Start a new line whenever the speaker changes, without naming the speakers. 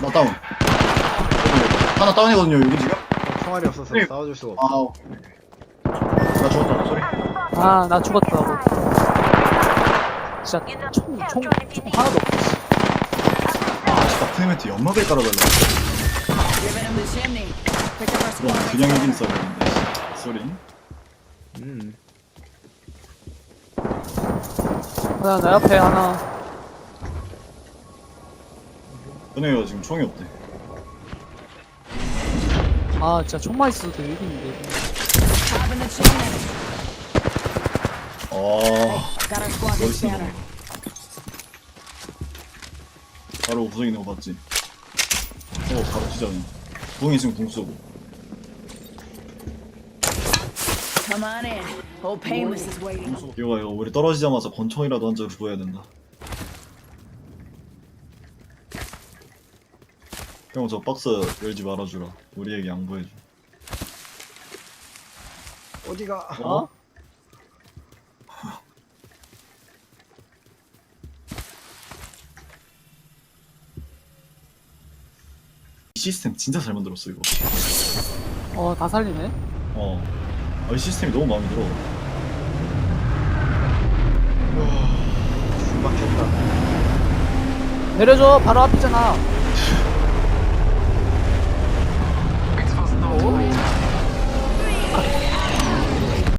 하나 다운. 하나 다운이거든요 여기 지금.
총알이 없어서
네.
싸워줄 수가 없어.
아우. 나 죽었다 소리.
아, 나 죽었다고. 진짜 총 하나도 없어.
아 진짜 프레멘트 연막을 깔아달라.
Giving him the chimney. Pick up our
그럼
squad.
그냥 이긴 싸움인데. 소리.
하나, 나 옆에 하나.
은혜가 지금 총이 없대.
아, 진짜 총만 있어도 이기는데.
Top in the chimney.
아.
Got our squad
머리
in
쓰는
scanner.
거. 바로 구석 있는 거 봤지? 바로 치자네. 구멍이 있으면 궁 쏘고.
Come on in. Old Painless is waiting.
이거 우리 떨어지자마자 권총이라도 한 자루 구해야 된다. 형 저 박스 열지 말아주라. 우리에게 양보해줘.
어디가?
어?
이 시스템 진짜 잘 만들었어 이거.
다 살리네.
이 시스템이 너무 마음에 들어.
막혔다.
내려줘, 바로 앞이잖아.